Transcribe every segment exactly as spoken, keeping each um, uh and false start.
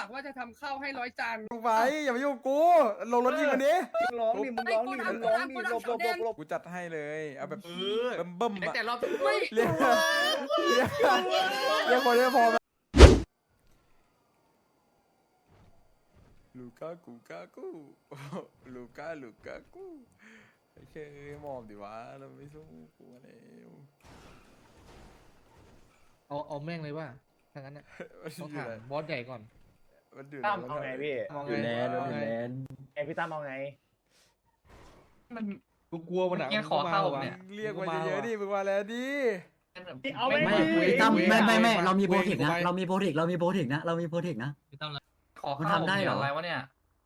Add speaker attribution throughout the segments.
Speaker 1: ากว่าจะทำข้าวให้ร้อยจาน
Speaker 2: ลงไปอย่ามายุ่งกับกูลงรถยิงมันดิ
Speaker 3: มึงร้องดิมึงร้องดิมึงร้องดิหลบหลบหลบหลบ
Speaker 2: กูจัดให้เลยเอาแบบ
Speaker 4: เออ
Speaker 2: เบิ่มเบิ่มๆอะ
Speaker 4: แต่รอบ
Speaker 1: ไม่
Speaker 2: เรียกเรียกเรียกคนได้พอไหมลูก้ากูก้ากูลูก้าลูก้ากูโอเคมอบดิวะเราไม่สู้กูแล้ว
Speaker 5: เอาเอาแม่งเลยว่าถ้างั้นน่ะ
Speaker 2: มัน
Speaker 5: ต้อง
Speaker 2: อยู่
Speaker 5: ถาม
Speaker 2: ไหน
Speaker 5: บอสใหญ่ก่อน
Speaker 2: มันอยู่ไหน
Speaker 3: ตั้มเอาไงพี่
Speaker 5: มอง
Speaker 2: อยู่
Speaker 5: ไง
Speaker 2: แลนด์
Speaker 5: เอาไง
Speaker 3: ไอพี่ตั้มเอาไง
Speaker 4: มัน
Speaker 5: กูกลัวมันอ่ะ
Speaker 4: เนี่ยขอเข้าเนี่ย
Speaker 2: เรียกมาเยอะๆดิมึงมาแล้วดิ
Speaker 3: เอาไม่
Speaker 6: ไม่
Speaker 3: ไม่
Speaker 6: ตั้มไม่ไม่ไม่เรามีโปรเทคนะเรามีโปรเทคเรามีโปรเทคนะเรามีโปรเทคนะ
Speaker 4: พี่ตั้มขอ
Speaker 6: มัน
Speaker 4: เข้า
Speaker 6: ทำได้เหรอ
Speaker 4: อะไรวะเนี่ย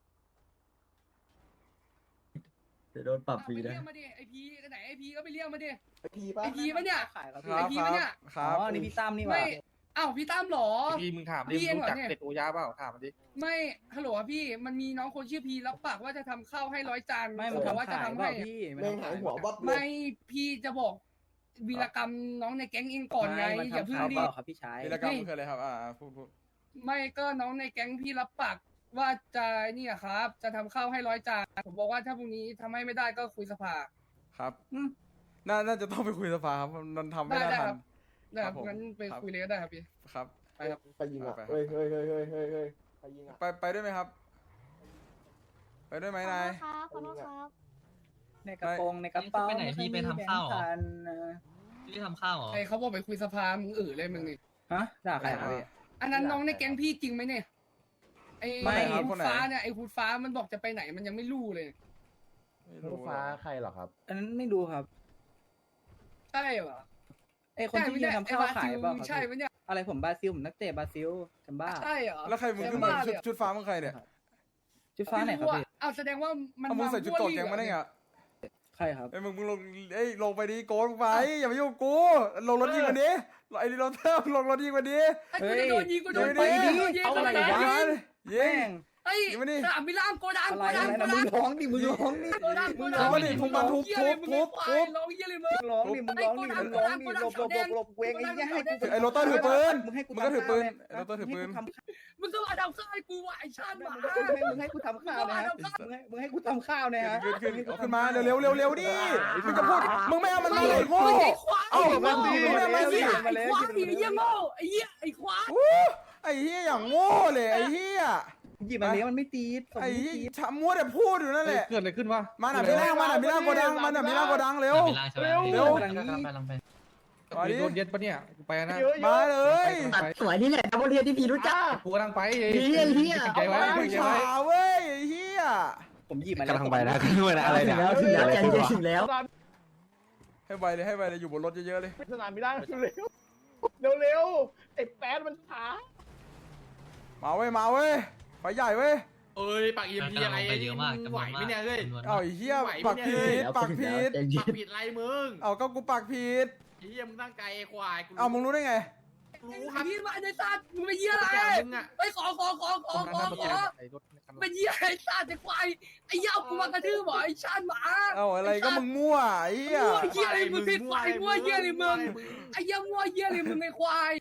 Speaker 6: เดี๋ยวโดนปรับฟรี
Speaker 1: ไป
Speaker 6: นะ
Speaker 1: เรียกมาดิไอพีไหนไอพีก็ไปเรียกมาดิ
Speaker 3: ไอพีป่ะ
Speaker 1: ไอพีปะเนี่ย
Speaker 3: ขายครับ
Speaker 2: ค
Speaker 1: ไอ
Speaker 2: รับ
Speaker 1: พี
Speaker 2: ค
Speaker 1: ปะ
Speaker 2: รั
Speaker 1: เนี่ย
Speaker 2: บครั
Speaker 3: อ๋
Speaker 2: บ
Speaker 3: อนี่พี่ตั้มนี่หว่า
Speaker 1: ไม่อ้าวพี่ตั้มเหรอ
Speaker 5: พี่มึงถามดิ
Speaker 1: พี่เอง
Speaker 5: รู้
Speaker 1: เหรอ
Speaker 5: จัก
Speaker 1: เนี่ย
Speaker 5: เป็ดโอยาเปล่าถามมันดิ
Speaker 1: ไม่ฮัลโหลครับพี่มันมีน้องคนชื่อพีรับปากว่าจะทำข้าวให้ร้อยจาน
Speaker 3: ไม่
Speaker 1: เขา
Speaker 3: มัน
Speaker 1: บอกว่า
Speaker 3: ทำ
Speaker 1: จะ
Speaker 3: ขาย
Speaker 1: ทำ
Speaker 3: เปล่า
Speaker 1: ให้
Speaker 3: พี่
Speaker 7: แม่งหายหัววับเล
Speaker 1: ไม่
Speaker 7: ย
Speaker 1: พี่จะบอกวีรกรรมน้องในแก๊งเองก่อนไง
Speaker 3: มัน
Speaker 1: อย่า
Speaker 3: ทำ
Speaker 1: เพิ่ง
Speaker 3: ขาย
Speaker 1: ดิ
Speaker 3: เปล่าครับพี่ชาย
Speaker 2: วีรกรรมมันคืออะไรครับอ่าพูดพูด
Speaker 1: ไม่ก็น้องในแก๊งพี่รับปากว่าจะเนี่ยครับ จะทำข้าวให้ร้อยจานผมบอกว่าถ้าพรุ่งนี้ทำให้ไม่ได้ก็คุยสภา
Speaker 2: ครับน่าน่าจะต้องไปคุยสภาครับมันทำไม่
Speaker 1: ได้
Speaker 2: ได้
Speaker 1: ได้
Speaker 2: ทั
Speaker 1: ครั
Speaker 2: น
Speaker 1: บได้ครับ
Speaker 2: ครับผม
Speaker 1: งั้นไป
Speaker 2: ครับ
Speaker 1: คุยเลยก็ได้ครับพี่
Speaker 2: ครับ
Speaker 1: ไปครับ
Speaker 7: ใครยิงอ่ะ
Speaker 2: ไปไป
Speaker 7: เฮ้ยเฮ้ยเฮ้ยเฮ้ยเฮ้ยเฮ้ยใครยิงอ่ะ
Speaker 2: ไปไปด้วยไหมครับ ไปด้วยไหมนาย
Speaker 8: ครับขอโทษครับ
Speaker 3: ในกระโปรงในกระเป๋า
Speaker 4: ไปไหนพี่ไปทำข้าวเหรอ พี่ทำข้าวเหรอ
Speaker 1: ไอเขาบอกไปคุยสภามึงเออเลยมึงนี่
Speaker 3: ฮะด่าใครครับพี่
Speaker 1: อันนั้นน้องในแก๊งพี่จริงไหมเนี่ยไอ
Speaker 3: ไม่
Speaker 1: ไอ้ฮูดฟ้าเนี่ยไอฮูดฟ้ามันบอกจะไปไหนมันยังไม่รู้เลย
Speaker 2: ไม่
Speaker 7: ร
Speaker 2: รู้
Speaker 7: ถฟ้าใครเหรอครับ
Speaker 3: อันนั้นไม่รู้ครับ
Speaker 1: ใช่เหรอ
Speaker 3: ไอคนที่ยืนทำข้าวขายเปล่า
Speaker 1: ใช่
Speaker 3: ครับ
Speaker 1: ไหมเนี่ย
Speaker 3: อะไรผมบราซิลผมนักเตะบราซิลจำบ้า
Speaker 1: ใช่เหรอ
Speaker 2: แล้วใครมึงขึ้นมาชุดชุดฟ้ามึงใครเนี่ย
Speaker 3: ชุดฟ้าไหนครับพี่
Speaker 1: อ้าวแสดงว่ามัน
Speaker 2: เอามึงใส่ชุดเกาะแกงมาได้ไง
Speaker 3: ใครครับ
Speaker 2: ไอ้ยมึงมึงลงเอ้ยลงไปดิโกนไปอย่ามายุ่งกับกูลงรถยิงมันดิไอ้ดิโรเตอร์ลงรถยิงมันดิ
Speaker 1: ไอ้กูจะโดนยิงกูโดน
Speaker 2: เฮ้
Speaker 1: ยิ
Speaker 2: ย
Speaker 1: ง
Speaker 2: ดิ
Speaker 1: โดนยิง
Speaker 3: เอาอะไร
Speaker 1: โดน
Speaker 3: วะ
Speaker 1: ยิง
Speaker 2: ยิ
Speaker 3: แม่
Speaker 2: ง
Speaker 3: ง
Speaker 1: ไอ้
Speaker 2: ยิงมาดิ
Speaker 1: สนามบิลล่างโกดัง
Speaker 3: อะไร
Speaker 1: โกดัง
Speaker 3: อะไร
Speaker 1: โก
Speaker 3: นะมึ
Speaker 1: ดั
Speaker 3: ง
Speaker 1: ง
Speaker 3: ร้องดิมึงร้องดิ
Speaker 1: โกดังโก
Speaker 2: มึง
Speaker 1: ดั
Speaker 2: ร้องมาดิทุบมันทุบทุบทุบทุบ
Speaker 1: ร้องเยี่ยเลยมึง
Speaker 3: มึงร้องดิมึงร้องดิมึงร้องดิหลบหลบหลบหลบเวงไอ้เหี้ยให้กู
Speaker 2: ไอ้โรเตอร์ถือปืน
Speaker 3: มึงให้กู
Speaker 2: มึงก็ถือปืน
Speaker 3: ทำข้าว
Speaker 2: ไอ้โรเตอร์ถือปืน
Speaker 3: ให้กูทำข้าว
Speaker 1: มึงก็มาดาวซ้ายกูว่ะไอ้ชาติหมา
Speaker 3: มึงให้กูทำข้าวนะฮะมึงให้มึงให้กูทำข้าวนะฮะ
Speaker 2: ขึ้นขึ้นเอาขึ้นมาเร็วเร็วเร็วเร็วดิมึงจะพูดมึงไม่เอามันมาเลยโง่
Speaker 1: ไอ้ควาย
Speaker 2: เอ้า
Speaker 1: ไอ้
Speaker 2: มันดีไม่เอามาสิ
Speaker 1: ควายไอ้ควายไอ้เหี้ยโง่ไอ้เหี้ยไอ้ควาย
Speaker 2: อู้ไอ้เหี้ยอย่างโง่เลยไอ้เหี้ย
Speaker 3: หยิบมาเลี้ยงมันไม่ตีด
Speaker 2: ไอ้เหี้ยช้ำมัวแต่พูดอยู่นั่นแหละ
Speaker 5: เกิดอะไรขึ้นวะ
Speaker 2: มาหน่ะพี่ล่างมาหน่ะพี่ล่างโกดังมาหน่ะพี่ล่างโกดังเร็ว
Speaker 4: ไปล่างใช่ไหม
Speaker 2: เร็ว
Speaker 4: กำลังไปกำลังไป
Speaker 2: มาดิ
Speaker 5: โดนเย็ดปะเนี่ยกูไปนะ
Speaker 2: มาเลย
Speaker 5: ไป
Speaker 6: ตัดสวยนี่แหละดับเบิลเทียที่พี่รู้จัก
Speaker 5: กูกำลังไป
Speaker 6: เฮียเฮีย
Speaker 5: ใจไว้
Speaker 2: เอา
Speaker 5: ใจ
Speaker 2: ช้า
Speaker 5: ไว้
Speaker 2: เว้ยไอ้เหี้ย
Speaker 3: ผมหยิบมา
Speaker 6: ถึงแล้วถึงแล้วใจเย็นถึงแล้ว
Speaker 2: ให้ไวเลยให้ไวเลยอยู่บนรถเยอะๆเลย
Speaker 7: สนามไม่ได้เร็วเร็วเร็วไอ้แป๊ดมันช้า
Speaker 2: มาเว้ยมาเว้ยไฟใหญ่เว้ย
Speaker 4: เอ้ยปากเอ็มพีอะไร ไปเยอะมากจำน
Speaker 9: ไหว
Speaker 4: วน
Speaker 9: ไหม
Speaker 4: มาก
Speaker 9: เนี่ยเฮ้ย
Speaker 4: จำนวน
Speaker 2: เอา
Speaker 4: มาก
Speaker 2: ไอ้เหี้ย
Speaker 9: ไหว
Speaker 2: ปัก
Speaker 9: ไหมเนี่
Speaker 2: ผิ
Speaker 9: ย
Speaker 2: ดปักผิด
Speaker 6: ใจเย็
Speaker 9: ปั
Speaker 6: น
Speaker 9: กผิดไรมึง
Speaker 2: เอาก็กูปักผิด
Speaker 9: ไอ้เหี้ยมึงตั้งใจไอ้ควายกู
Speaker 2: เอามึงรู้ได้ไง
Speaker 9: รู้ค
Speaker 1: ไอ้
Speaker 9: รับ
Speaker 1: พี่มาไอ้สัตว์มึงเป็นเหี้ยอะไร
Speaker 9: มึงอ่ะ
Speaker 1: ไอ้ขอขอขอขอขอขอเป็นเหี้ยไอ้สัตว์ไอ้ควายไอ้เหี้ยเอากูมากระทืบเหรอไอ้ชาติหมา
Speaker 2: เอาอะไรก็มึงมั่วไอ้เหี้ย
Speaker 1: มั่วเหี้ยอะไรมึงผิดควายมั่วเหี้ยอะไรมึงไอ้เหี้ยมั่วเหี้ยอะไรมึงไอ้ควาย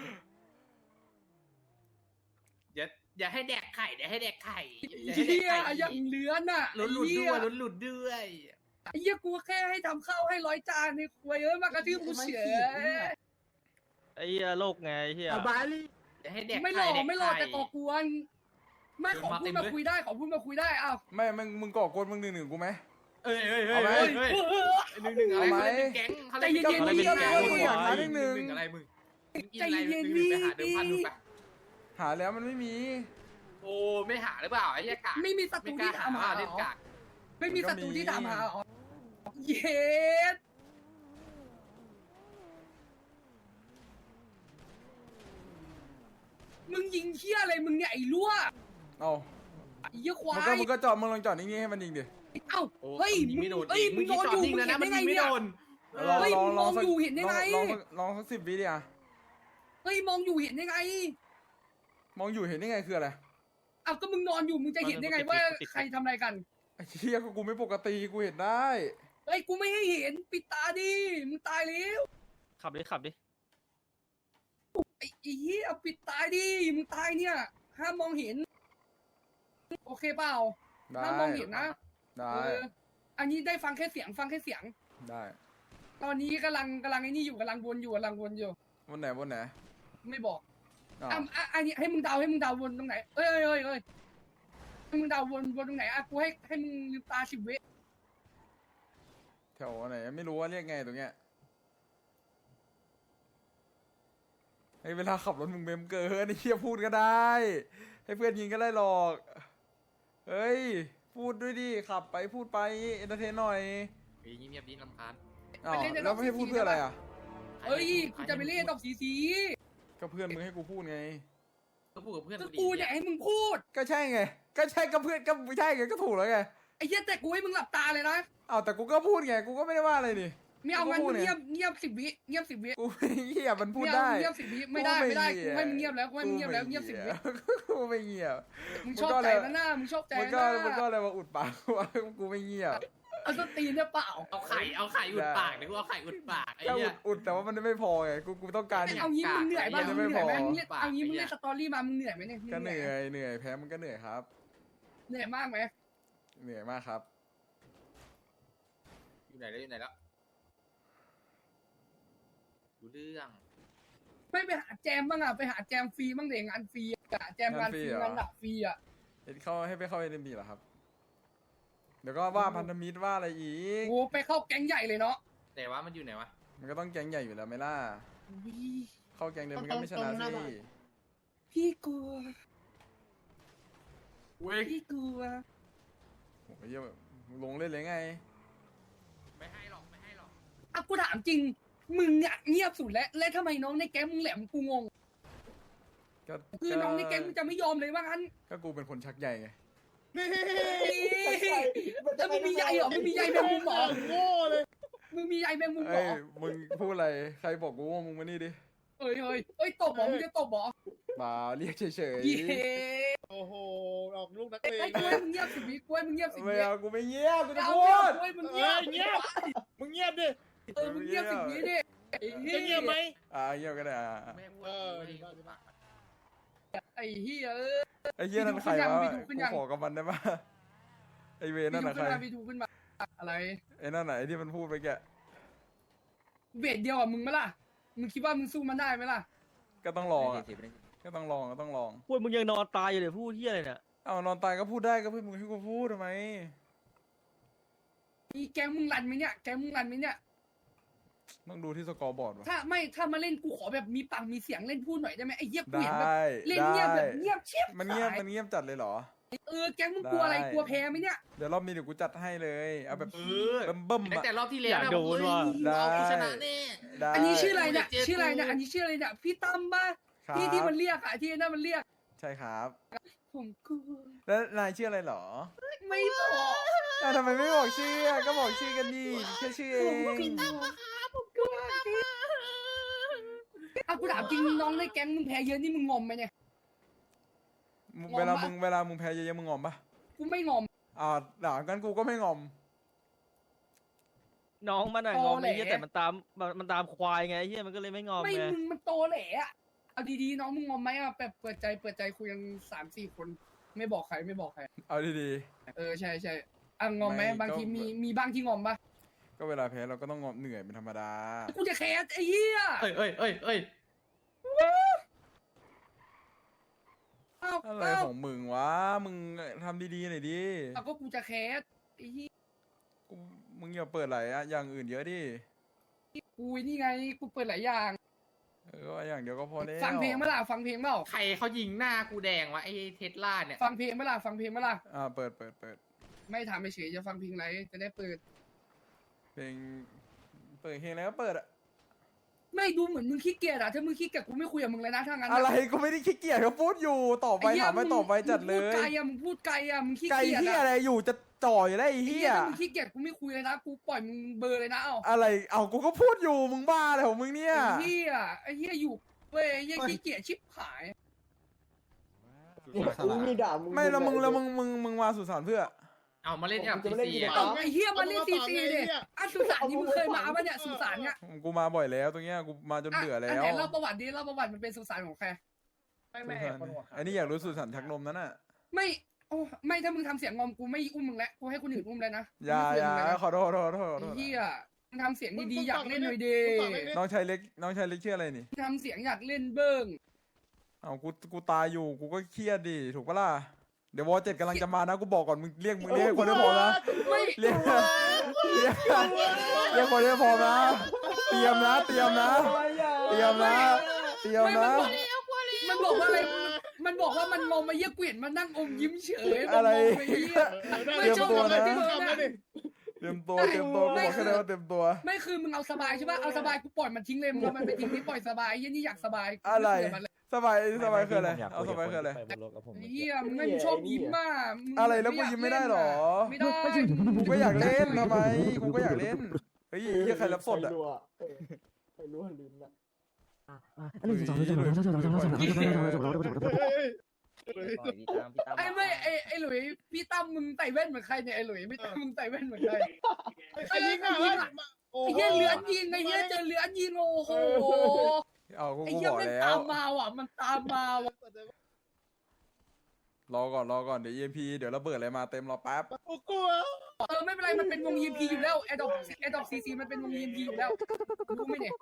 Speaker 9: อย่าอย่าให้แดกไข่เดี๋ยวให้แดกไข่อย่า
Speaker 1: เหี้
Speaker 9: ให้แดก
Speaker 1: ย
Speaker 9: ไข่
Speaker 1: อย่างเลื้อนอ่ะ
Speaker 9: ลุ้นหลุดด้วยลุ้นหลุดด้วย
Speaker 1: ไอ้เหี้ยกูแค่ให้ทำข้าวให้ร้อยจานในครัวเอ้ยมากระทืบกูเฉย
Speaker 10: ไอ้เหี้ยโลกไงไอ้เหี้ย
Speaker 6: บาลี
Speaker 9: อย่าให้แดก
Speaker 1: ไม่หล
Speaker 9: ไข่
Speaker 1: อก
Speaker 9: แดก
Speaker 1: ไม่หลอก
Speaker 9: ไข่
Speaker 1: แต่ก่อกวนไม่ขอพูดมาคุยได้ขอพูดมาคุยได้อ้าว
Speaker 2: ไม่มึงมึงก่อกวนมึงหนึ่งหนึ่งกูไหม
Speaker 9: เอ้ยเอ้ยเอ้ย
Speaker 2: เอาไหม
Speaker 9: เอ้ยเอ้ยหนึ่งหนึ่งอะไร
Speaker 2: เอาไหม
Speaker 9: เขาเล่นเป็นแก๊งเขาเล่น
Speaker 1: ใจ
Speaker 9: เป็น
Speaker 1: เย็นๆ
Speaker 9: แก๊ง
Speaker 1: นี่
Speaker 9: เขาเล่นเป็นแก๊ง
Speaker 2: กูอยากหาหนึ่งหนึ่ง
Speaker 9: อะไรมึง
Speaker 1: ใจเย็นๆ
Speaker 9: หงหงไปหาเดิมพัน
Speaker 1: นี่
Speaker 9: ดูไป
Speaker 2: หาแล้วมันไม่มี
Speaker 9: โอ้ไม่หาหรือเปล่าไอ้เหี้ยกาก
Speaker 1: ไม่มีศัต
Speaker 9: ไม่
Speaker 1: รู
Speaker 9: กล้า
Speaker 1: ที่
Speaker 9: หา
Speaker 1: ถามหา
Speaker 9: ว่า
Speaker 1: เหร
Speaker 9: เล่น
Speaker 1: อก
Speaker 9: าก
Speaker 1: ไม่มีศัตรูที่ถามหาเหรอเย็ดมึงยิงเชี่ยอะไรมึงเนี่ยไอ้รั่ว
Speaker 2: เอา
Speaker 1: ไอ้เหี้ยควา
Speaker 2: มึงก็
Speaker 1: ย
Speaker 2: มึงก็จอดมึงลองจอดนิ่งๆให้มันยิงดิ
Speaker 1: เอ้า
Speaker 9: โอ้
Speaker 1: เฮ้ย
Speaker 9: ยิงไม่โดน
Speaker 1: เฮ้ย
Speaker 9: มึง
Speaker 1: มึง
Speaker 9: คิด
Speaker 1: นอน
Speaker 9: จอ
Speaker 1: อ
Speaker 9: ด
Speaker 1: ยู่
Speaker 9: นิ่ง
Speaker 1: มึ
Speaker 9: แล้ว
Speaker 1: ง
Speaker 9: นะ
Speaker 1: เห็น
Speaker 9: มัน
Speaker 1: ได้ไง
Speaker 9: ยิงไม่
Speaker 1: เนี่ย
Speaker 9: โดน
Speaker 2: ลอง
Speaker 1: เฮ้ย
Speaker 2: ลอง
Speaker 1: มึง
Speaker 2: ลอง
Speaker 1: มอง
Speaker 2: สัก
Speaker 1: อยู่เห็นได้ไง
Speaker 2: ลองลองลองสักสิบวิดิอ่ะ
Speaker 1: เฮ้ยมองอยู่เห็นได้ไง
Speaker 2: มองอยู่เห็นได้ไงคืออะไร
Speaker 1: อ้าวก็มึงนอนอยู่มึงจะเห็นได้ไงว่าใครทำอะไรกัน
Speaker 2: ไอ้เหี้ยก็กูไม่ปกติกูเห็นได้
Speaker 1: เฮ้ยกูไม่ให้เห็นปิดตาดิมึงตายแล้ว
Speaker 10: ขับดิขับดิ
Speaker 1: ไอ้ไอ้เหี้ยปิดตาดิมึงตายเนี่ยห้ามมองเห็น โอเคเปล่า
Speaker 2: ได้
Speaker 1: ห้ามมองเห็นนะ
Speaker 2: ได้
Speaker 1: เอออันนี้ได้ฟังแค่เสียงฟังแค่เสียง
Speaker 2: ได้
Speaker 1: ตอนนี้กำลังกำลังไอ้นี่อยู่กำลังวนอยู่กำลังวนอยู่
Speaker 2: วันไหนวันไหน
Speaker 1: ไม่บอก
Speaker 2: อ้าว
Speaker 1: อ่ะอ่ะอันนี้ให้มึงเดาให้มึงเดาวนตรงไหนเอ้ยเอ้ยเอ้ยเอ้ยให้มึงเดาวนวนตรงไหนอ่ะกูให้ให้มึงลืมตาสิบวิ
Speaker 2: แถวไหนไม่รู้ว่าเรียกไงตรงเนี้ยไอ้เวลาขับรถมึงเมมเกินไอ้เหี้ยพูดก็ได้ ให้เพื่อนยิงก็ได้หรอก เฮ้ย พูดด้วยดิ ขับไปพูดไปเอนเตอร์เทนหน่อย
Speaker 9: เงียบๆดีลำคาญ
Speaker 2: อ้าวแล้วไม่ให้พูดเพื่ออะไรอ่ะ
Speaker 1: เอ้ยกูจะไปเล่นดอกสีสี
Speaker 2: ก็เพื่อนมึงให้กูพูดไง
Speaker 9: ก็พูดกับเพื่อน
Speaker 1: ก็
Speaker 9: กูดี
Speaker 1: กูเนี่ยให้มึงพูด
Speaker 2: ก็ใช่ไง ก็ใช่ก็เพื่อนก็ไม่ใช่ไงก็ถูกแล้วไง
Speaker 1: ไอ้เหี้ยแต่กูให้มึงหลับตาเลยนะ
Speaker 2: อ้าวแต่กูก็พูดไง กูก็ไม่ได้ว่าอะไรนี่
Speaker 1: ไม่เอางั้น
Speaker 2: กูก็พู
Speaker 1: มึ
Speaker 2: ด
Speaker 1: ง
Speaker 2: ไง
Speaker 1: เงียบเงียบสิบวิเงียบสิบวิ
Speaker 2: กูไม่เหี้ยมันพูด
Speaker 1: ไม่เอา
Speaker 2: ได้
Speaker 1: มึงเงียบสิบวิไม่ได้ไม่ได้กูให้มึงเงียบแล้วกูให้มึงเงียบแล้วเงียบสิบวิ
Speaker 2: กูไม่เงียบ
Speaker 1: มึงชอบใจนะหน้ามึงชอบใจ
Speaker 2: มัน
Speaker 1: นะ
Speaker 2: ก็มันก็อะไรมาอุดปากกูว่ากูไม่เงียบ
Speaker 1: เอาสตีนเนี่ยเปล่า
Speaker 9: เอาไข่เอาไข่อุดปากเดี๋ยวกูเอาไข่อุดปากไอ้
Speaker 2: ก็
Speaker 9: เหี้
Speaker 2: อุ
Speaker 9: ย
Speaker 2: ดอุดแต่ว่ามันไม่พอไง กูกูต้องการ
Speaker 1: ไม่เอางี้มึงเหนื่อยบ้าง
Speaker 2: ยั
Speaker 1: มึ
Speaker 2: ง
Speaker 1: ง
Speaker 2: ไม่
Speaker 1: เหนื่อยไหม
Speaker 2: พอ
Speaker 1: มึงเนี่ยเอางี้มึงเล่นสตอรี่มามึงเหนื่อยไหมเนี่ยมึง
Speaker 2: ก็เห
Speaker 1: เหนื่
Speaker 2: นื่
Speaker 1: อย
Speaker 2: อยเหนื่อยแพ้มันก็เหนื่อยครับ
Speaker 1: เหนื่อยมากไหม
Speaker 2: เหนื่อยมากครับ
Speaker 9: อยู่ไหนแล้วอยู่ไหนแล้วดูเรื่อง
Speaker 1: ไม่ไปหาแจมบ้างอ่ะไปหาแจมฟรีบ้างเด็งานฟรีอ่ะแจมงานฟรีงานหนักฟรีอ่ะ
Speaker 2: เห็นเข้าให้ไปเข้าเอ็นบีเหรอครับ เดี๋ยวก็ว่าพันธมิตรว่าอะไรอีก
Speaker 1: โอ้ไปเข้าแก๊งใหญ่เลยเนาะ
Speaker 9: แต่ว่ามันอยู่ไหนวะ
Speaker 2: มันก็ต้องแก๊งใหญ่อยู่แล้วไหมล่ะ เข้าแก๊งเดียวมันก็ไม่ชนะสิ
Speaker 1: พี่กลัว
Speaker 9: เว้ย
Speaker 1: พี่กลัว
Speaker 2: โอ้ยเหี้ยลงเล่นเลยไง
Speaker 9: ไม่ให้หรอกไม่ให้หรอก
Speaker 1: อ่ะกูถามจริงมึงอ่ะเงียบสุดแล้วแล้วทำไมน้องในแก๊งมึงแหลมกูงง
Speaker 2: ก็
Speaker 1: คือน้องในแก๊งมึงจะไม่ยอมเลยว่างั้น
Speaker 2: ก็กูเป็นคนชักใหญ่ไง
Speaker 1: แล้วมึงมีใยเหรอมึงมีใยแมงมุมเหรอ
Speaker 7: โง่เลย
Speaker 1: มึงมีใยแมงมุมเหร
Speaker 2: เอ้ย
Speaker 1: อ
Speaker 2: มึงพูดอะไร ใครบอกกูว่ามึงมานี่ดิ
Speaker 1: เอ้ยเฮ้ยเอ้ยตบเหรอมึงจะตบเหรอ
Speaker 2: มาเรียกเฉย
Speaker 1: เย้
Speaker 7: โอ้โหออกลูกนัก
Speaker 1: ไอ้
Speaker 7: เล
Speaker 1: ไอ้
Speaker 7: ง
Speaker 1: กล้วยมึงเงียบสิวิกล้วยมึงเงียบสิ
Speaker 2: ๆ
Speaker 1: วิ
Speaker 2: ไม่เอากูไม่เงียบกูจะ
Speaker 1: เอา
Speaker 2: พู
Speaker 1: เงียบ
Speaker 2: ด
Speaker 1: กล้วยมึง
Speaker 7: เอ
Speaker 1: เงีย
Speaker 7: อบ เงียบมึงเงียบดิ
Speaker 1: เออมึงเงียบสิวิดิไอ้เหี้
Speaker 7: จะเงียบไหม
Speaker 2: อ่าเงียบก็ได้อ่ะ
Speaker 9: ไม่ให้พูด
Speaker 7: เออ
Speaker 9: ไม่ได้พูดปาก
Speaker 1: ไอ้เหี้ยเออ
Speaker 2: ไอ้เหี้ยนั่นใครวะ
Speaker 1: พี่ดูขึ้น
Speaker 2: กู
Speaker 1: ยัง
Speaker 2: ขอกับมันได้ปะไอ้เว
Speaker 1: พี่
Speaker 2: นั่น
Speaker 1: ดู
Speaker 2: น่ะใค
Speaker 1: ขึ้
Speaker 2: ร
Speaker 1: นมาพี่ดูขึ้นมาอะไร
Speaker 2: ไอ้นั่นไหนที่มันพูดไปแก
Speaker 1: เบสเดียวกับมึงไหมล่ะมึงคิดว่ามึงสู้มันได้ไหมล่ะ
Speaker 2: ก็ต้องลองอ่ะก็ต้องลองก็ต้องลอง
Speaker 10: พูดมึงยังนอนตายอยู่เลยพูดเฮียอะไรเนี่ย
Speaker 2: เอานอนตายก็พูดได้ก็เพื่อนมึงให้กูพูดทำไม
Speaker 1: มีแก๊งมึงรันไหมเนี่ยแก๊งมึงรันไหมเนี่ย
Speaker 2: ต้องดูที่สกอร์บอร์ดวะ
Speaker 1: ถ้าไม่ถ้ามาเล่นกูขอแบบมีปากมีเสียงเล่นพูดหน่อยได้ไหมไอ้เหี้ยกู
Speaker 2: ได้
Speaker 1: เห็นแบบเล่นเงียบแบบเงียบเชียบ
Speaker 2: มันเงียบ
Speaker 1: หา
Speaker 2: มันเงียบจัดเลยเหรอ
Speaker 1: เออแก๊งมึงกลัวอะไร
Speaker 2: ได้
Speaker 1: กลัวแพ้ไหมเนี่ย
Speaker 2: เดี๋ยวรอบนี้เดี๋ยวกูจัดให้เลย เอาแบบ
Speaker 9: เออ
Speaker 2: เบิ่มเบิ่ม
Speaker 9: ตั้ง
Speaker 2: ๆ
Speaker 9: แต่
Speaker 2: อะ
Speaker 9: รอบที่แล้ว
Speaker 10: อยากโดนว่ะ
Speaker 2: ได้
Speaker 9: เอากูชนะแน่
Speaker 2: ได้
Speaker 1: อันนี้ชื่ออะไรเนี่ย
Speaker 9: เจอกู
Speaker 1: ชื่ออะไรเนี่ยอันนี้ชื่ออะไรเนี่ยพี่ตั้มป่ะ
Speaker 2: ครับ
Speaker 1: ที่ที่มันเรียกอะที่นั่นมันเรียก
Speaker 2: ใช่ครับ
Speaker 1: ผมกลัว
Speaker 2: แล้วนายชื่ออะไรเหรอ
Speaker 1: ไม่บอก
Speaker 2: อ้าวทำไมไม่บอกชื่ออะก็บอกชื่อกันดิแค่ชื่อเอ
Speaker 1: ผม
Speaker 2: ง
Speaker 1: กลัวผมกลัวอ่ะกูถามจริงน้องในแก๊งมึงแพ้เยอะนี่มึงงอมไหมเนี่ย
Speaker 2: มึง
Speaker 1: งอม
Speaker 2: เวลา
Speaker 1: ปะ
Speaker 2: มึงเวลามึงแพ้เยอะๆมึงงอมปะ
Speaker 1: กูไม่งอม
Speaker 2: อ่าด่ากันกูก็ไม่งอม
Speaker 10: น้องมันอะ
Speaker 1: โต
Speaker 10: งอม
Speaker 1: แหละ
Speaker 10: ไอ้เฮียแต่มันตามมันมันตามควายไงไอ้เฮียมันก็เลยไม่งอม
Speaker 1: ไม่
Speaker 10: ไง
Speaker 1: มึงมันโตแหละอะเอาดีๆน้องมึงงอมไหมอะแบบเปิดใจเปิดใจคุยกันสามสี่คน ไม่บอกใครไม่บอกใคร
Speaker 2: เอาดี
Speaker 1: เออใช่ใช่อ่ะงอมไหม
Speaker 2: ไม่
Speaker 1: บางที
Speaker 2: ก็
Speaker 1: มีมีบ้างที่งอมปะ
Speaker 2: ๆก็เวลาแพ้เราก็ต้องงอมเหนื่อยเป็นธรรมดา
Speaker 1: กูจะแคสไอ้เหี้ย
Speaker 9: เอ้ยเอ้ยเอ้ยเอ้ย
Speaker 1: เอ้า
Speaker 2: อะไร
Speaker 1: เอ้า
Speaker 2: ของมึงวะ มึงทำดีๆหน่อยดิ
Speaker 1: เอาก็กูจะแคสไอ้เหี้ย
Speaker 2: กูมึงอย่าเปิดหลายอะอย่างอื่นเยอะดิ
Speaker 1: กูนี่ไงกูเปิดหลายอย่าง
Speaker 2: เออว่าอย่างเดียวก็พอแล้ว
Speaker 1: ฟังเพลงเมื่อไหร่ฟังเพลงเปล่า
Speaker 9: ใครเขายิงหน้ากูแดงวะไอ้เทสลาเนี่ย
Speaker 1: ฟังเพลงเมื่อไหร่ฟังเพลงเมื่อไหร่
Speaker 2: อ่าเปิดเปิดเปิด
Speaker 1: ไม่ถามเฉยๆจะฟังเพลงอะไรจะได้เปิด
Speaker 2: เพลงเปิดเพลงแล้วก็เปิดอะ
Speaker 1: ไม่ดูเหมือนมึงขี้เกียจอะถ้ามึงขี้เกียจกูไม่คุยกับมึงเลยนะถ้างั้น
Speaker 2: อะไรกูไม่ได้ขี้เกียจเขาพูดอยู่ต่อไป
Speaker 1: อ้เหี้ย
Speaker 2: ถามไปต่อไปจัดเล
Speaker 1: มึงพูด
Speaker 2: ย
Speaker 1: ไกลอะมึงพูดไกลอะมึงขี้
Speaker 2: ไก่
Speaker 1: เกียจ
Speaker 2: เฮีย
Speaker 1: อะ
Speaker 2: อะไรอยู่จะจ่อยแล้วไอ้
Speaker 1: ไอ้
Speaker 2: เฮี
Speaker 1: เหี้ย
Speaker 2: ย
Speaker 1: ถ้ามึงขี้เกียจกูไม่คุยเลยนะกูปล่อยมึงเบอร์เลยนะเอ้า
Speaker 2: อะไรเอากูก็พูดอยู่มึงบ้าอะไรของมึงเนี่ย
Speaker 1: ไอ้เหี้ยไอ้เหี้ยอยู่เว้ยไอ้เหี้ยขี้เกียจชิบหาย
Speaker 7: มึงมีด่ามึง
Speaker 2: ไม่แล้วมึงแล้วมึงมึงมึงมาสุสานเพื่อ
Speaker 9: เอามาเล่นกับพีซีอ่ะ
Speaker 1: เอาไอ้เหี้ยมาเล่นซีซีดิอ่ะสุสานนี่มึงเคยมาปะเนี่ยสุสานเนี่ย
Speaker 2: กูมาบ่อยแล้วตรงเนี้ยกูมาจนเบื่อแล้
Speaker 1: ะน
Speaker 2: ว
Speaker 1: ไหนเล่าประวัติดิเล่าประวัติมันเป็นสุสานของใคร
Speaker 7: ไปไม่ไม่ไอ้คนหัวขาว
Speaker 2: อันนี้อยากรู้สุดสันชักนมนั้นน่ะ
Speaker 1: ไม่โอ้ไม่ถ้ามึงทำเสียงงอมกูไม่อุ้มมึงแล้วกูให้คนอื่นอุ้มแล้วนะ
Speaker 2: อย่า
Speaker 1: ไม่
Speaker 2: อย่า
Speaker 1: เสีงมึงแล้วนะ
Speaker 2: ขอโทษขอโทษขอโทษขอโท
Speaker 1: ไอ้
Speaker 2: ษ
Speaker 1: เหี้ยมึงทำเสียงดีๆอยากเล่นหน่อยดี
Speaker 7: มึงฟังไม่ได้
Speaker 2: น้องชายเล็กน้องชายเล็กชื่ออะไรนี่
Speaker 1: ทำเสียงอยากเล่นเบิ้ง
Speaker 2: เอากูกูตายอยู่กูก็เครียดดิถูกปะล่ะเดี๋ยววอเจ็ดกำลังจะมานะกูบอกก่อนมึงเรียกมึงเรียกคนได้พอนะ
Speaker 1: ไม่
Speaker 2: เรียกเรียกเรียกคนได้พอนะเตรียมนะเตรียมนะเตรียมนะเตรียม
Speaker 1: ไม่
Speaker 2: นะ
Speaker 1: มันบอกมันบอกว่าอะไรมันบอกว่ามันงงมาเยี่ยเกวียนมานั่งอมยิ้มเฉย
Speaker 2: อะไร
Speaker 1: มันงงไปเหี้ย
Speaker 2: เตรียมตัวนะ
Speaker 1: ไม่ชอบอะไรที่มึง
Speaker 7: ทำได้ดิ
Speaker 2: เตรียมตัวเตรียมตัวกูบอกแค่นั้นว่าเตรียมตัว
Speaker 1: ไม่คือมึงเอาสบายใช่ป่ะเอาสบายกูปล่อยมันทิ้งเลยมึงเอามันไปทิ้งที่ปล่อยสบายเหี้ยนี่อยากสบายกู
Speaker 2: อะไร
Speaker 1: ม่คุยกับมันเลย
Speaker 2: สบายสบายคืออะไรเอาสบายคืออะไร
Speaker 1: เฮียมึงไม่ชอบยิ้มมาก
Speaker 2: อะไรแล้วกูยิ้มไม่ได้หรอ
Speaker 1: ไม่ได้
Speaker 2: กูก็อยากเล่นทำไมกูก็อยากเล่นเฮ้ยเฮียใครรับสดอ่ะ
Speaker 7: ใครรู้ว่าลืมละ
Speaker 6: อันนี้จบแล้วจบแล้วจบแล้วจบแล้วจบแล้วจบแล้วจบแล้วจบแล้ว
Speaker 1: ไอ้ไม่ไอ้ไอ้หลุยพี่ตั้มมึงใส่แว่นเหมือนใครเนี่ยไอ้หลุยพี่ตั้มมึงใส่แว่นเหมือนใคร
Speaker 7: ไอ้ยิงอ่ะ
Speaker 1: ไอ้เฮียเลือนยิงไอ้เฮียเจอเลือนยิงโอ้โห
Speaker 2: เอากู
Speaker 1: ไอ้
Speaker 2: กู
Speaker 1: เฮีย
Speaker 2: บอก
Speaker 1: มัน
Speaker 2: แล้
Speaker 1: ตาว มมาว่ะมันตามมาว่ะ
Speaker 2: รอก่อนรอก่อนเดี๋ยว อี เอ็ม พี เดี๋ยวระเบิดอะไรมาเต็มรอแป๊บ
Speaker 7: กูกลัว
Speaker 1: เออไม่เป็นไรมันเป็นวงยีพีอยู่แล้วแอดดอปแอดดอปซีซีมันเป็นวงยีพีอยู่แล้วรู้ไหมเนี่ย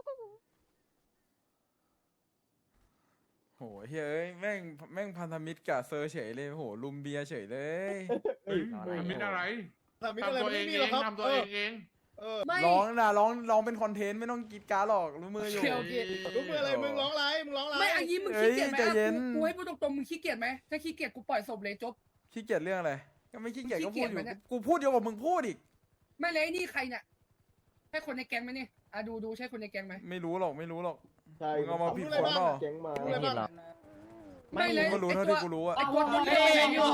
Speaker 2: โหเฮ้ยแม่งแม่งพันธมิตรกับเซอร์เฉยเลยโหลุมเบียร์เฉยเลย
Speaker 9: มิดอะไร
Speaker 7: ทำอะไรไม่มีหรอกครับ
Speaker 9: ทำตัวเองเอง
Speaker 7: เออ
Speaker 1: ไม่
Speaker 2: ร้องนะร้องร้องเป็นคอนเทนต์ไม่ต้องกรีดการ์ดหรอกรู้มืออยู่
Speaker 1: โอเคโอเค
Speaker 7: รู้มืออะไรมึงร้องไรมึงร้องไร
Speaker 1: ไม่อันนี้มึงขี้เกียจไหม
Speaker 2: เอ้ยใจเย็น
Speaker 1: อ่ะกูกูให้พูดตรงๆมึงขี้เกียจไหมถ้าขี้เกียจกูปล่อยศพเลยจบ
Speaker 2: ขี้เกียจเรื่องอะไรก็ไม่ขี้เกียจก็พูดอยู่
Speaker 1: ขี้เกียจไหมเนี่ย
Speaker 2: กูพูดเยอะกว่ามึงพูดอีก
Speaker 1: ไม่เลยไอ้นี่ใครเนี่ยใช่คนในแก๊งไหมเนี่ยอ่ะดูดูใช่คนในแก๊งไหม
Speaker 2: ไม่รู้หรอกไม่รู้หรอก
Speaker 7: ใช่
Speaker 2: มึงเอามาผิดคนเปล่า
Speaker 7: เก่งมารู้อะไรบ้าง
Speaker 1: ไม่เลย
Speaker 2: กูก็รู้เท่าที่กูรู้อะ
Speaker 1: ไอ้ตัวตัวนี้ไอ้ตัว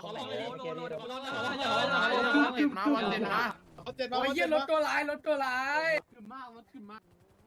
Speaker 9: เจ็บมาวันเจ็บมา
Speaker 7: เอาเจ็ดมา
Speaker 1: โอ้ยเหี้ยรถตัวร้ายรถตัวร้าย
Speaker 9: ขึ้นมากรถขึ้นมาก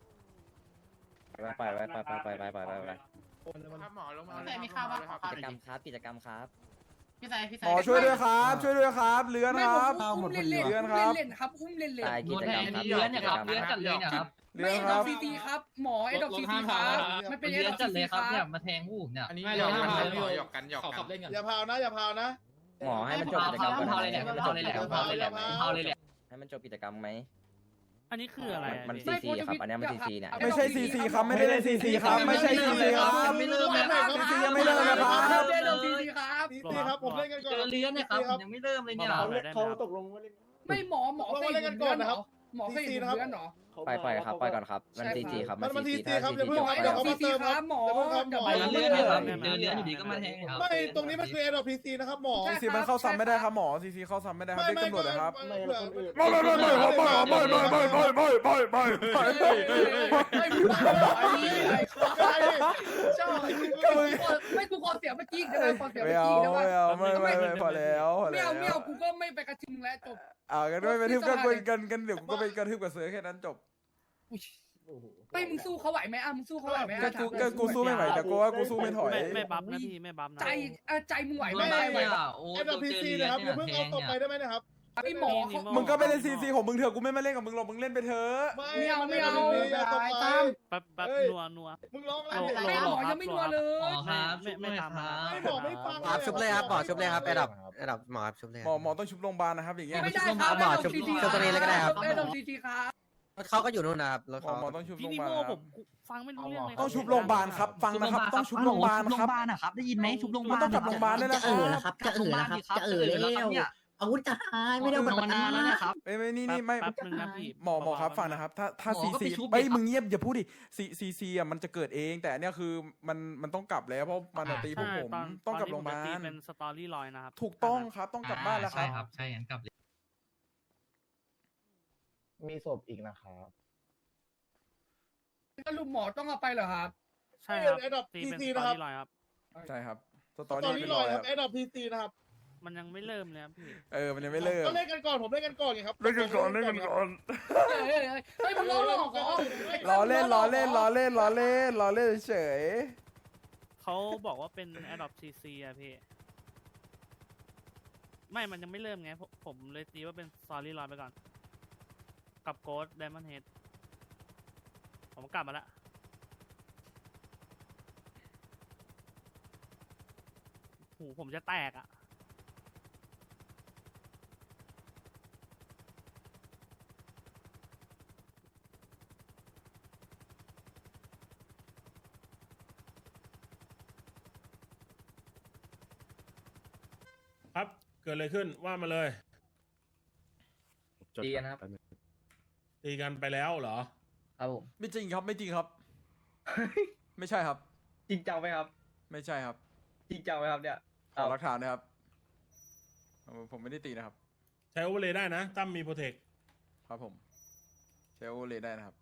Speaker 8: ไปไปไปไปไปไปไปไปไป
Speaker 9: ถ้าหมอลงมา
Speaker 4: แต่มีข้าวบ้างขอข้าว
Speaker 8: กิจกรรมครับกิจกรรมครับ
Speaker 4: พี่สายพี่สา
Speaker 2: หม
Speaker 4: ย
Speaker 2: อช่วยด้วยครับ ช่วยด้วยครับเรือน
Speaker 1: ไม่
Speaker 2: ค
Speaker 1: ผ
Speaker 2: รับ
Speaker 1: มอุ้มเล่นเล่น
Speaker 2: เรือนค
Speaker 1: อุ้
Speaker 2: รั
Speaker 1: ม
Speaker 2: บ
Speaker 1: เล่นๆครับอุ้มเล่นเล่น
Speaker 8: ตายกิจกรรมครับ
Speaker 4: เลื้อนเนี่ยครับเลื้อนจัดเลยเนี่ยครับ
Speaker 2: เรื
Speaker 1: ไม่
Speaker 2: อน
Speaker 1: เอ็ด
Speaker 2: ค
Speaker 1: อ
Speaker 2: รั
Speaker 1: ก
Speaker 2: บ
Speaker 1: ซีซีครับหมอเอ็ดอกซีซีครับมันเป็นเอ็ด
Speaker 4: เลื้
Speaker 1: อ
Speaker 4: อน
Speaker 1: ก
Speaker 4: จั
Speaker 1: ซี
Speaker 4: ดเล
Speaker 1: ซี
Speaker 4: ย
Speaker 1: ค
Speaker 4: ค
Speaker 1: รั
Speaker 4: รับเนี่ย
Speaker 1: บ
Speaker 4: มาแทงผู้ผมเนี่ย
Speaker 9: อันนี้หยอกกันหยอกกันหยอกกัน
Speaker 7: อย่าพาวนะอย่าพาวนะ
Speaker 8: หมอให้มันจบ
Speaker 4: พา
Speaker 8: กิจกรรมก่อน
Speaker 4: พาเลยแหละพาเลยแหละพาเลยแหละพาเลยแหละ
Speaker 8: ให้มันจบกิจกรรมไหม
Speaker 10: อันนี้คืออะไร
Speaker 8: มันซีซีครับอันนี้มันซีซีเนี่ย
Speaker 2: ไม่ใช่ซีซีครับไม่ได้เล่นซีซีครับไม่ใช่ซีซีครับ
Speaker 4: ไม่เริ่มเลยครับ
Speaker 2: ซีซียังไม่เริ่มนะครับ
Speaker 1: เอ็ดออกซีซีครับ
Speaker 7: ซีซีครับผมเล่นกันก่อน
Speaker 4: เจอเลื้อนเนี่ยครับยังไม่เริ่มเลยเนี่ย
Speaker 7: เขาตกลงว่าเล่น
Speaker 1: ไม่หมอหมอเคยเห็นเลือนเหรอหมอเคยเห็นเลือนเหรอ
Speaker 8: ปล่อยปล่อยครับปล่อยก่อนครับมันซีซีครับ
Speaker 7: มั
Speaker 8: มัน น
Speaker 7: มัน
Speaker 8: ซี
Speaker 7: ที
Speaker 8: ซี
Speaker 7: ซี
Speaker 8: ถ้า
Speaker 7: ครับ
Speaker 8: ซี
Speaker 7: อย่า
Speaker 8: ซี
Speaker 7: เพิ่ง
Speaker 8: จบ
Speaker 7: ครับ
Speaker 8: ไป
Speaker 7: เดี๋ยว
Speaker 8: ก่อน
Speaker 7: เขามาเติมครับ
Speaker 1: หมอ
Speaker 7: เดี๋ยวเพิ่งครับหมอ
Speaker 4: เลื้อนเนี่ยครับเจอเลื้อนอยู่ดีก็มาแทงครับ
Speaker 7: ไม่ตรงนี้มันคือแอร์ดรอปพีซีนะครับหมอ
Speaker 2: ซีซีมันเข้าซ้ำไม่ได้ครับหมอซีซีเข้าซ้ำไม่ได้ครับเรียกตำรวจเลยครับ
Speaker 7: ไม่
Speaker 2: ไม่ไม่ไม่ไม่ไม่ไม่ไม่ไม่ไม่ไม่ไม่ไม่ไม่ไม่
Speaker 1: ไม่พูดไอ้นี่ไอ้ชอบไม่กูขอเสียงเมื่อกี้ได้ไหมขอเสียง
Speaker 2: ไม่
Speaker 1: เมื่อ
Speaker 2: เอา
Speaker 1: กี้ได้ไหม
Speaker 2: ไม่เอาไม่ไม่ไม่พอแล้วพอ
Speaker 1: ไม่
Speaker 2: แล้ว
Speaker 1: เอาไม่เอากูก็ไม่ไปกระทิงแล้วจบ
Speaker 2: อ่ากันไม่ไปทึบกันกันกันเดี๋ยวกูก็ไปกระทึบกับเสือแค่นั้นจบ
Speaker 1: ไม่มึงสู้เขาไหวไหมอ่ะมึงสู้เขาไหวไหม
Speaker 2: ก็กูก็กูสู้ไม่ไหวแต่กูว่ากูสู้ไม่ถอย
Speaker 10: ไม่ไม่บัฟนะพี่ไม่บัฟนะ
Speaker 1: ใจใจมึงไหวไหม
Speaker 4: ไม่
Speaker 1: ไหว
Speaker 4: ไม่อ่ะโอ้
Speaker 7: แอร์ดรอปพีซีนะครับอย่าเพิ่งเอาตกไปได้ไหมนะครับ
Speaker 1: ไอ้หมอ
Speaker 2: มึงก็ไปเล่นซีซีของมึงเถอะกูไม่มาเล่นกับมึงหรอกมึงเล่นไปเถอะ
Speaker 1: ไม่เอาไม่เอา
Speaker 7: อย่าตกไป
Speaker 1: ตาม
Speaker 10: แป๊บแป๊บนัวนัว
Speaker 7: มึงร้องอะไร
Speaker 10: โล
Speaker 7: เนี่ย
Speaker 10: โล
Speaker 1: หมอยังไม่นัวเลย
Speaker 4: หมอครับไม่ไม่ทำ
Speaker 7: ไม่บอกไม่ฟัง
Speaker 8: ครับชุบเลยครับหมอชุบเลยครับไอ้ดับไอ้ดับหมอครับชุบเลย
Speaker 2: หมอหมอต้องชุบโรงพยาบาลนะครับอย่างเงี้ย
Speaker 1: ไม่ได้ครับ
Speaker 8: หมอชุบชุบตัวนี้เลยก็ได้ครับ
Speaker 1: ไม่ต้องซีซีครับ
Speaker 8: เขาก็อยู่นู่นนะครับรถ
Speaker 2: หมอ
Speaker 8: เขา
Speaker 2: หมอต้องชุบ
Speaker 10: พี่
Speaker 2: โรง
Speaker 10: นิ
Speaker 2: พยาบาล
Speaker 10: โม่
Speaker 2: ค
Speaker 10: ผ
Speaker 2: รับ
Speaker 10: มฟังไม่รู้เรื่องเลย
Speaker 2: ต้องชุบโรงพยาบาลครับฟังนะครับต้องชุบโรงพยาบาลครับ
Speaker 6: ครับได้ยินไหมชุบโรงพยาบาล
Speaker 2: ต้องกลับโรงพยาบาลด้วยนะ
Speaker 6: จะเออแล้วครับจะเออแล้วครับจะเออแล้วอาวุธจะหายไม่ได้เอาบัตรประกันแล้วนะครับ
Speaker 2: ไม่ไม่นี่นี่ไม่
Speaker 10: แป๊บนึงนะพี่
Speaker 2: หมอหมอครับฟังนะครับถ้าถ้า
Speaker 6: หม
Speaker 2: ซี
Speaker 6: อก็ไป
Speaker 2: ซี
Speaker 6: ชุบดิ
Speaker 2: เอ้ย
Speaker 6: ครับ
Speaker 2: มึงเงียบอย่าพูดดิซีซีซีอ่ะมันจะเกิดเองแต่อันเนี่ยคือมันมันต้องกลับแล้วเพราะมันอะตีพวกผม
Speaker 10: ตอน
Speaker 2: ต้องกลับโรงพยาบา
Speaker 10: ตอนนี้
Speaker 2: ล
Speaker 10: ผมจะตีเป็นสตอรี่ลอยนะครับ
Speaker 2: ถูกต้องครับต้องกลับบ้านแล้วค
Speaker 4: ใช่
Speaker 2: รับ
Speaker 4: ครับใช่งั้นกลับเลย
Speaker 7: มีศพอีกนะครับ
Speaker 1: ก็ลูกหมอต้องเอาไปเหรอครับ
Speaker 10: ใช่ครับ
Speaker 7: แอร์ดรอป
Speaker 10: ตี
Speaker 7: พี
Speaker 10: เป็น
Speaker 7: ซี
Speaker 10: สตอ
Speaker 7: นะครับ
Speaker 10: รี่ลอยครับ
Speaker 2: ใช่ครับสต
Speaker 7: ต
Speaker 2: อ
Speaker 7: อน
Speaker 2: รี่
Speaker 7: นี้
Speaker 2: เป็น
Speaker 7: ล
Speaker 2: ร
Speaker 7: อ
Speaker 2: อย ย
Speaker 7: ค
Speaker 2: ค
Speaker 7: รั
Speaker 2: รั
Speaker 7: บบ แอร์ดรอปพีซีนะครับ
Speaker 10: มันยังไม่เริ่มเลยครับพี่
Speaker 2: เออมันยังไม่เลิก
Speaker 7: ก็เล่นกันก่อนผมเล่นกันก่อนไงครับ
Speaker 2: เล่นกันก่อนเล่นกันก่อน
Speaker 1: เฮ้ยเฮ้ยเฮ้ยเฮ้ยมึงล้อหลอกเหรอ
Speaker 2: ล้อเล่นล้อเล่นล้อเล่นล้อเล่นล้อเล่นเฉย
Speaker 10: เขาบอกว่าเป็น Adopt ซี ซี อะพี่ ไม่ มันยังไม่เริ่มไงผมผมเลยตีว่าเป็น Story ลอยไปก่อน กับ Ghost Diamond Head ผมกลับมาละหูผมจะแตกอ่ะ
Speaker 11: ครับเกิดอะไรขึ้นว่ามาเลย
Speaker 4: ตีกันครับ
Speaker 11: ตีกันไปแล้วเหรอ
Speaker 4: ครับผม
Speaker 2: ไม่จริงครับไม่จริงครับ ไม่ใช่ครับ
Speaker 4: จริงจังไหมครับ
Speaker 2: ไม่ใช่ครับ
Speaker 4: จริงจังไหมครับเนี่ย
Speaker 2: ขอหลักฐานนะครับเอาผมไม่ได้ตีนะครับ
Speaker 11: ใช้โอเวอร์เลยได้นะตั้มมีโปรเทค
Speaker 2: ครับผมใช้โอเลได้นะครับ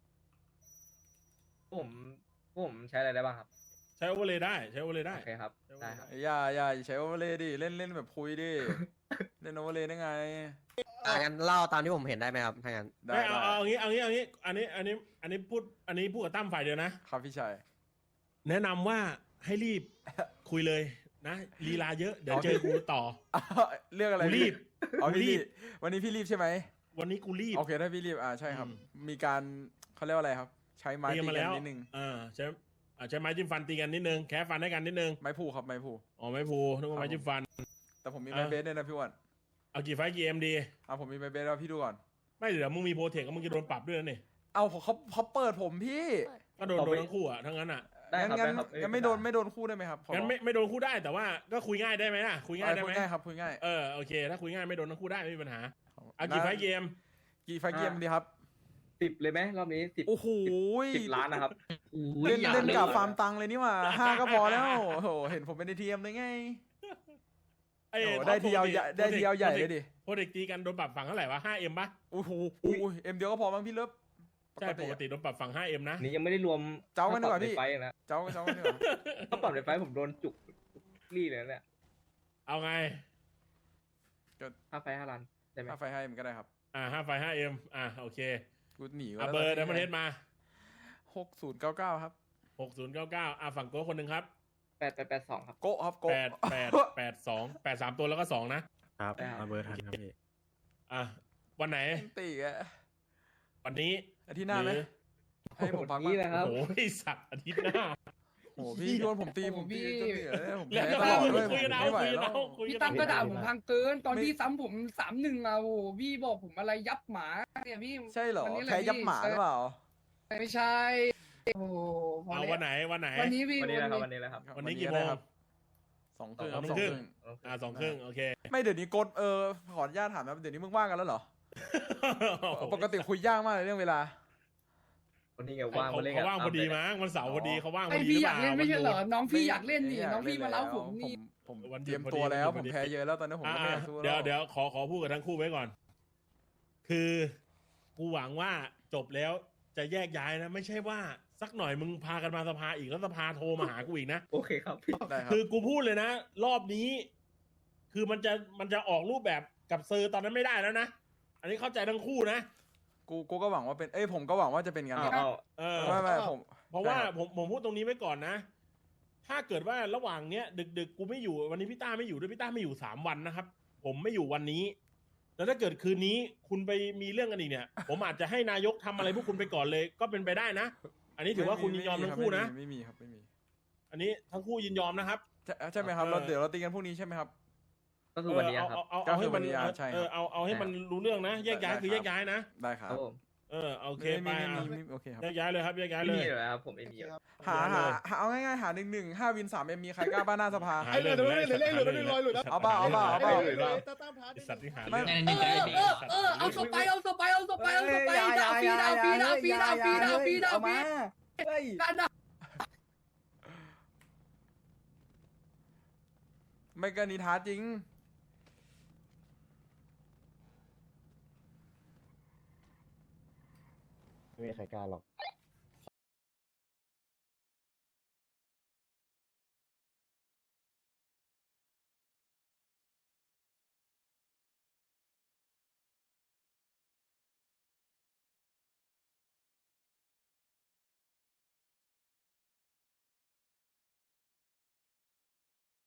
Speaker 4: ผมผมใช้อะไรได้บ้างครับ
Speaker 11: ใช้โอเวอร์เลยได้ใช้โอเวอร์เลยได้
Speaker 4: โอเคครับได้ครับ
Speaker 2: อย่าอย่าอย่าใช้โอเวอร์เลย์ดิเล่นเล่นแบบคุยดิ เล่นโอเวอร์เลย์ได้ไง
Speaker 8: อ่างั้นเล่าตามที่ผมเห็นได้ไหมครับถ้างั้น
Speaker 2: ได้
Speaker 11: ไม่เอา
Speaker 2: ได้
Speaker 11: เอาเอางี้เอางี้เอางี้อันนี้อันนี้อันนี้พูดอันนี้พูดกับตั้มฝ่ายเดียวนะ
Speaker 2: ครับพี่ชาย
Speaker 11: แนะนำว่าให้รีบ คุยเลยนะลีลาเยอะเดี๋ยวเจอกูต่อ
Speaker 2: เรื่องอะไร
Speaker 11: กูรีบ
Speaker 2: อ๋อ
Speaker 11: กู
Speaker 2: พี่
Speaker 11: รี
Speaker 2: รี
Speaker 11: บ
Speaker 2: บวันนี้พี่รีบใช่ไหม
Speaker 11: วันนี้กูรีบ
Speaker 2: โอเคถ้าพี่รีบอ่าใช่ครับ
Speaker 11: อืม
Speaker 2: มีการเขาเรียกว่าอะไรครับ ใช้ไม้
Speaker 11: ตี
Speaker 2: ตี
Speaker 11: กันมา
Speaker 2: กั
Speaker 11: แล้ว
Speaker 2: นนิดนึง
Speaker 11: อ่าใช้อ่าใช้ไม้จิ้มฟันตีกันนิดนึงแค่ฟันให้กันนิดนึง
Speaker 2: ไม้ผูครับไม้ผู
Speaker 11: อ๋อไม้พูนึกว่าไม้จิ้มฟัน
Speaker 2: แต่ผมมีไม้
Speaker 11: อ่ะ
Speaker 2: เบสด้วยนะพี่อ้วัน
Speaker 11: เอากี่ไฟล์กี่เอ็มดี
Speaker 2: อ่าผมมีไม้เบสแล้วพี่ดูก่อน
Speaker 11: ไม่เดี๋ยวมึงมีโปรเทคก็มึงจะโดนปรับด้วยนะนี่
Speaker 2: เอาเขาเขาเขาเปิดผมพี่
Speaker 11: ก็โดนโดนทั้งคู่อ่ะทั้งนั้นอ่ะ
Speaker 4: ได้ครับ
Speaker 2: งั้น
Speaker 4: ได้ครับ
Speaker 2: งั้นไม่โดนไม่โดนคู่ได้ไหมครับขอ
Speaker 11: งั้นไม่ไม่โดนคู่ได้แต่ว่าก็คุยง่ายได้ไหมล่ะคุยง่ายได้
Speaker 2: คุ
Speaker 11: ไหม
Speaker 2: ยง่ายครับคุยง่าย
Speaker 11: เออโอเคถ้าคุยง่ายไม่โดนทั้งคู่ได้ไม่มีปัญหาเอากี่ไฟล์เกม
Speaker 2: กี่ไฟล์เกมดีครับ
Speaker 4: สิบเลยไหมรอบนี้สิบ
Speaker 2: โอ้โห
Speaker 4: สิบล้านนะครับ
Speaker 2: เล่นเล่นกับฟาร์มตังเลยนี่หว่าห้าก็พอแล้วโอ้โหเห็นผมเป็นทีเอ็มเลยไง
Speaker 11: เอ้ย
Speaker 2: โอ้ได้ทีเดียวใหญ่ได้ทีเดียวใหญ่เลยดิ
Speaker 11: โปรเทคตีกันโดนปรับฝั่งเท่าไหร่วะห้าเอ็มปะ
Speaker 2: โอ้โหอุ้ยเอ็มเดียวก็พอมั้งพี่เลิฟ
Speaker 11: ใช่ปกติโดนปรับฝั่งห้าเอ็มนะ
Speaker 4: นี่ยังไม่ได้รวม
Speaker 2: เจ้ากันดีกว่า
Speaker 4: ค่ปรับ
Speaker 2: พี่
Speaker 4: ในไฟล์นะ
Speaker 2: เจ้าเจ้ากันดีกว่า
Speaker 4: ถ้าปรับในไฟล์ผมโดนจุกรี่เลยนะเนี่ย
Speaker 11: เอาไง
Speaker 4: ห้าไฟล์ห้าล้านได้ไหม
Speaker 2: ถ้าไฟให้มันก็ได้ครับ
Speaker 11: อ่าห้าไฟห้าเอ็มอ่าโอเค
Speaker 2: กูหนีก็
Speaker 11: อ่ะเบอร์ดัมเบิลเฮดมา
Speaker 2: หกศูนย์เก้าเก้าครับ
Speaker 11: หกศูนย์เก้าเก้าอ่ะฝั่งโก้คนหนึ่งครับ
Speaker 4: แปดแปดแปดสองครับ
Speaker 2: โกะครับโกะ
Speaker 11: แปดแปดแปดสองแปดสามตัวแล้วก็สองนะครับ
Speaker 4: ได้ครับ
Speaker 5: เอาเบอร์ทันครับพี่
Speaker 11: อ่ะวันไหน
Speaker 2: ตีอะ
Speaker 11: วันนี้
Speaker 2: อาทิตย์หน้าไหม
Speaker 11: รือ
Speaker 2: ให้ผมพัก
Speaker 4: นี่
Speaker 2: บ้าง
Speaker 4: แหละครับ
Speaker 11: โอ้ยสัตว์อาทิตย์หน้า
Speaker 2: โอ้โหพี่โดนผมตีผมตีจนเหนื่อยเลยผม
Speaker 11: แล้ว
Speaker 2: แพ้
Speaker 11: ก็
Speaker 2: ตลอดเลยผ
Speaker 11: คุ
Speaker 2: ม
Speaker 11: ยกันเอา
Speaker 2: ไม่ไหว
Speaker 11: คุยกัน
Speaker 2: แล้ว
Speaker 11: เอาคุย
Speaker 1: พี่
Speaker 11: กัน
Speaker 1: ตั้มก็ด่า
Speaker 11: เอา
Speaker 1: ผมพังเกินตอน
Speaker 2: ไม่
Speaker 1: ที่ซ้ำผมสามหนึ่งอ่ะโอ้โหพี่บอกผมอะไรยับหมาเนี่ยพี่
Speaker 2: ใช่เหรอ
Speaker 1: วันนี้เลย
Speaker 2: แพ้ยับ
Speaker 1: พี่
Speaker 2: หมาหรือเปล่า
Speaker 1: ไม่ใช่โอ้โหพ
Speaker 11: เอา
Speaker 1: แล้ว
Speaker 11: วันไหนวันไหน
Speaker 1: วันนี้พี่
Speaker 4: วันนี้แหละครับ
Speaker 1: วั
Speaker 4: วันนี้แหละครับ
Speaker 11: วันนี้กี่โมง
Speaker 2: ครับสองครึ่งครับ
Speaker 11: ส
Speaker 2: ส
Speaker 11: อ
Speaker 2: อง ง
Speaker 11: ค
Speaker 2: ค
Speaker 11: รึ่
Speaker 2: รึ่
Speaker 11: ง
Speaker 2: ง
Speaker 11: อ่าสองครึ่งโอเค
Speaker 2: ไม่เดี๋ยวนี้กดเออขออนุญาตถามนะเดี๋ยวนี้มึงว่างกันแล้วเหรอ ปกติคุยยากมากเลยเรื่องเวลา
Speaker 4: วันนี้ไง
Speaker 11: เขา
Speaker 4: ว่างมาเล่น
Speaker 11: เขา
Speaker 4: กับ
Speaker 11: ว่างพอดีมั้งวันเสาร์พอดีเขาว่างพ
Speaker 1: ไอ
Speaker 11: อดี
Speaker 1: พี่
Speaker 11: หรื
Speaker 1: อยากเล่นไม่ใช่เหรอ
Speaker 11: วัน
Speaker 1: น้องพี่อยากเล่นนี่
Speaker 2: ไม่
Speaker 1: น้องพี่มาเล่าผมนี่
Speaker 2: ผม
Speaker 11: วัน
Speaker 2: เต
Speaker 11: เดี
Speaker 2: รี
Speaker 11: ย
Speaker 2: ยว มตัวแล้ว
Speaker 11: พ
Speaker 2: ผ
Speaker 11: อ
Speaker 2: ม
Speaker 11: ดี
Speaker 2: แพ้เยอะแล้วตอนนี้ผม
Speaker 11: อ่า
Speaker 2: ก็ไม่อยากสู้แล้ว
Speaker 11: เดี๋ยวเดี๋ยวขอขอพูดกับทั้งคู่ไว้ก่อน คือกูหวังว่าจบแล้วจะแยกย้ายนะ ไม่ใช่ว่าสักหน่อยมึงพากันมาสภาอีกแล้วสภาโทรมาหากูอีกนะ
Speaker 4: โอเคครับพี่
Speaker 2: ได้ครับ
Speaker 11: คือกูพูดเลยนะ รอบนี้ คือมันจะมันจะออกรูปแบบกับเซอร์ตอนนั้นไม่ได้แล้วนะ อันนี้เข้าใจทั้งคู่นะ
Speaker 2: กูกูก็หวังว่าเป็นเอ้ยผมก็หวังว่าจะเป็นงั้น
Speaker 4: เอา
Speaker 2: ครับ
Speaker 4: เอา
Speaker 11: เออ
Speaker 2: ไม่ไม่ผม
Speaker 11: เพราะว่า
Speaker 2: ใช่ครับ
Speaker 11: ผมผมพูดตรงนี้ไว้ก่อนนะ ถ้าเกิดว่าระหว่างเนี้ย ดึกดึกๆกูไม่อยู่วันนี้พี่ต้าไม่อยู่ด้วยพี่ต้าไม่อยู่สามวันนะครับ ผมไม่อยู่วันนี้ แล้วถ้าเกิดคืนนี้คุณไปมีเรื่องกันอีกเนี่ย ผมอาจจะให้นายกทำอะไรพวกคุณไปก่อนเลย ก็เป็นไปได้นะ อันนี้ถือว่าคุณยินยอมทั้งคู่นะ
Speaker 2: ไม่มีครับไม่มี
Speaker 11: อันนี้ทั้งคู่ยินยอมนะครับ
Speaker 2: ใช่ใช่ไหมครับ
Speaker 11: เออ
Speaker 2: เราเดี๋ยวเราตีกันพรุ่งนี้ใช่ไหมครับ
Speaker 4: ก็คือวันนี้ครับ
Speaker 11: เอาเอา
Speaker 2: ก็
Speaker 11: เอา
Speaker 2: คื
Speaker 11: ให้
Speaker 2: อวั
Speaker 11: มัน น
Speaker 2: นี้อ่ะใช่ครับ
Speaker 11: เออเอาเอาให้มันรู้เรื่องนะแยกย้าย
Speaker 2: ได้
Speaker 11: คือแยกย้ายนะ
Speaker 2: ได้ครั
Speaker 4: ครับ บผม
Speaker 11: เออโอเค
Speaker 2: ไม่
Speaker 11: ไป
Speaker 2: มี
Speaker 11: อ่ะ
Speaker 2: ไม่มีโอเคครับ
Speaker 11: แยกย้ายเลยครับแยกย้าย
Speaker 4: ไม่
Speaker 11: เล
Speaker 4: มี
Speaker 11: ย
Speaker 4: เลยครับผมไม่มีครับ
Speaker 2: หาหาหาเอาง่ายๆหาหนึ่งหนึ่งห้าวินสามเอ็มมีใครกล้าบ้านหน้าสภา
Speaker 11: หา
Speaker 7: ไอ้เหลือเดี๋ยวเหลือเลขหลุดแล้วลอยหลุดแล้ว
Speaker 2: เอาเปล่าเอาเปล่าเอาเปล่า
Speaker 7: เหลือตาตามท้า
Speaker 11: ไอ้สัตว์ที่หา
Speaker 2: ไม่
Speaker 11: เรื่อง
Speaker 1: เออเออเออเอาสไปเอาสไปเอาสไปเอาสไปดาวฟีดาวฟีดาวฟีดาวฟีดาวฟีดาว
Speaker 3: เอา
Speaker 1: ฟี
Speaker 3: มาเฮ้ย
Speaker 1: กันนะ
Speaker 2: ไม่กันนิท้าจริง
Speaker 5: ไม่มีใครกล้าหรอก